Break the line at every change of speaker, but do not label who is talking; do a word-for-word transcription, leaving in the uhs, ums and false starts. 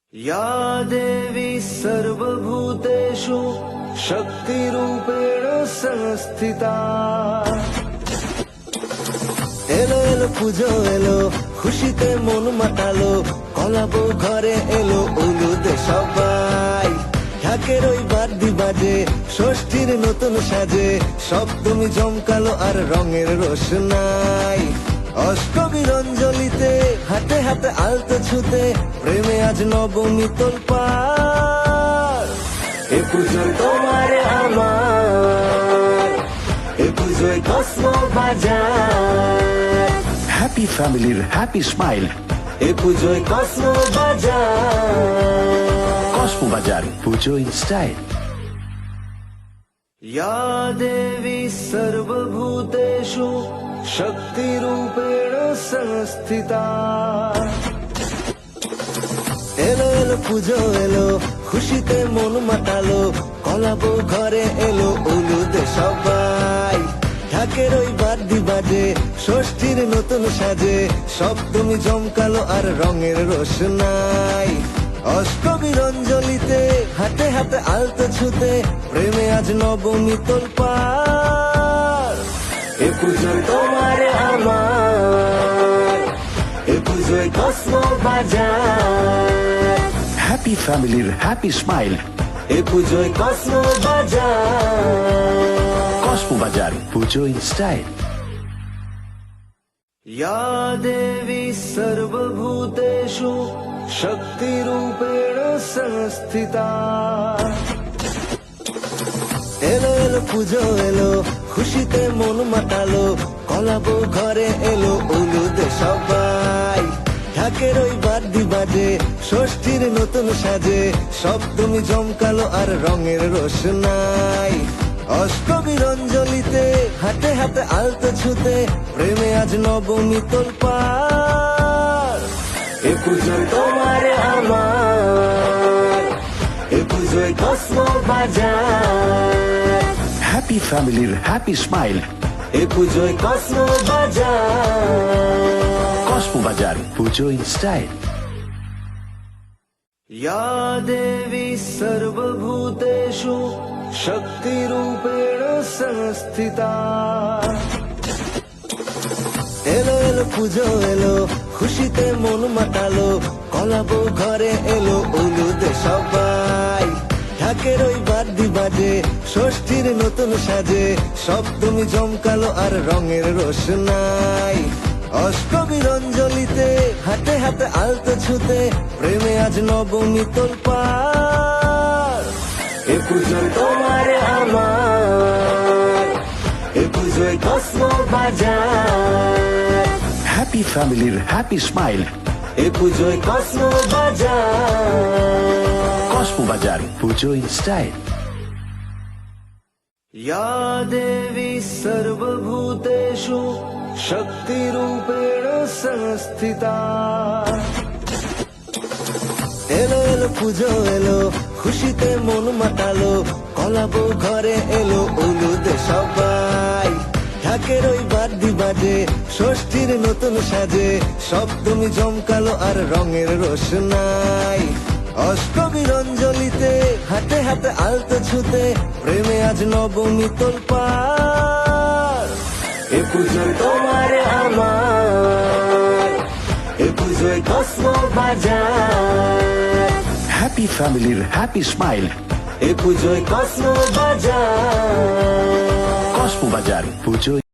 या देवी सर्वभूतेषु शक्तिरूपेण संस्थिता। এলো এলো পুজো এলো, খুশিতে মন মাতালো, কলাবো ঘরে এলো উলুদে সবাই। ঢাকের ওই বাদ্যি বাজে, ষষ্ঠীর নতুন সাজে, সপ্তমী জমকালো আর রঙের রোশনাই। অষ্টমীর অঞ্জলিতে হাতে হাতে আলতো ছুতে, প্রেমে আজ নবমী তোলপাড়। এ পুজো তোমার আমার, এ পুজোয় কসমো বাজার।
হ্যাপি ফ্যামিলির হ্যাপি স্মাইল।
এ পুজোয় কসমো বাজার।
কসমো বাজার, পুজো ইন স্টাইল।
या देवी सर्वभूतेषु शक्तिरूपेण संस्थिता। এলো এলো পুজো এলো, খুশিতে মন মাতালো, কলাবো ঘরে এলো উলুদে সবাই। ঢাকের ওই বাদ্যি বাজে, ষষ্ঠীর নতুন সাজে, সপ্তমী জমকালো আর রঙের রোশনাই। অষ্টমীর অঞ্জলিতে হাতে হাতে আলতো ছুতে, প্রেমে আজ নবমী তোলপাড়। এ পুজো তোমার আমার, এ পুজোয় কসমো বাজার।
হ্যাপি ফ্যামিলির হ্যাপি স্মাইল।
এ পুজোয় কসমো বাজার।
কসমো বাজার, পুজো ইন স্টাইল।
या देवी सर्वभूतेषु शक्तिरूपेण संस्थिता। এলো এলো পুজো এলো, খুশিতে মন মাতালো, কলাবো ঘরে এলো উলুদে সবাই। ঢাকের ওই বাদ্যি বাজে, ষষ্ঠীর নতুন সাজে, সপ্তমী জমকালো আর রঙের রোশনাই। অষ্টমীর অঞ্জলিতে হাতে হাতে আলতো ছুতে, প্রেমে আজ নবমী তোলপাড়। এ পুজো তোমার আমার, এ পুজোয় কসমো বাজার।
হ্যাপি ফ্যামিলির হ্যাপি স্মাইল।
এ পুজোয় কসমো বাজার।
কসমো বাজার, পুজো ইন স্টাইল।
या देवी सर्वभूतेषु शक्तिरूपेण संस्थिता। এলো এলো পুজো এলো, খুশিতে মন মাতালো, কলাবো ঘরে এলো উলুদে সবাই। ঢাকের ওই বাদ্যি বাজে, ষষ্ঠীর নতুন সাজে, সপ্তমী জমকালো আর রঙের রোশনাই। অষ্টমীর অঞ্জলিতে হাতে হাতে আলতো ছুতে, প্রেমে আজ নবমী তোলপাড়। এ পুজো তোমার আমার, এ পুজোয় কসমো বাজার।
হ্যাপি ফ্যামিলির হ্যাপি স্মাইল।
এ পুজোয় কসমো বাজার।
কসমো বাজার, পুজো ইন স্টাইল।
या देवी सर्वभूतेषु शक्तिरूपेण संस्थिता। এলো এলো পুজো এলো, খুশিতে মন মাতালো, কলাবো ঘরে এলো উলুদে সবাই। ঢাকের ওই বাদ্যি বাজে, ষষ্ঠীর নতুন সাজে, সপ্তমী জমকালো আর রঙের রোশনাই। অষ্টমীর অঞ্জলিতে হাতে হাতে আলতো ছুতে, প্রেমে আজ নবমী তোলপাড়। এ পুজো তোমার আমার, এ পুজোয় কসমো বাজার।
হ্যাপি ফ্যামিলির হ্যাপি স্মাইল।
এ পুজোয় কসমো বাজার।
কসমো বাজার, পুজো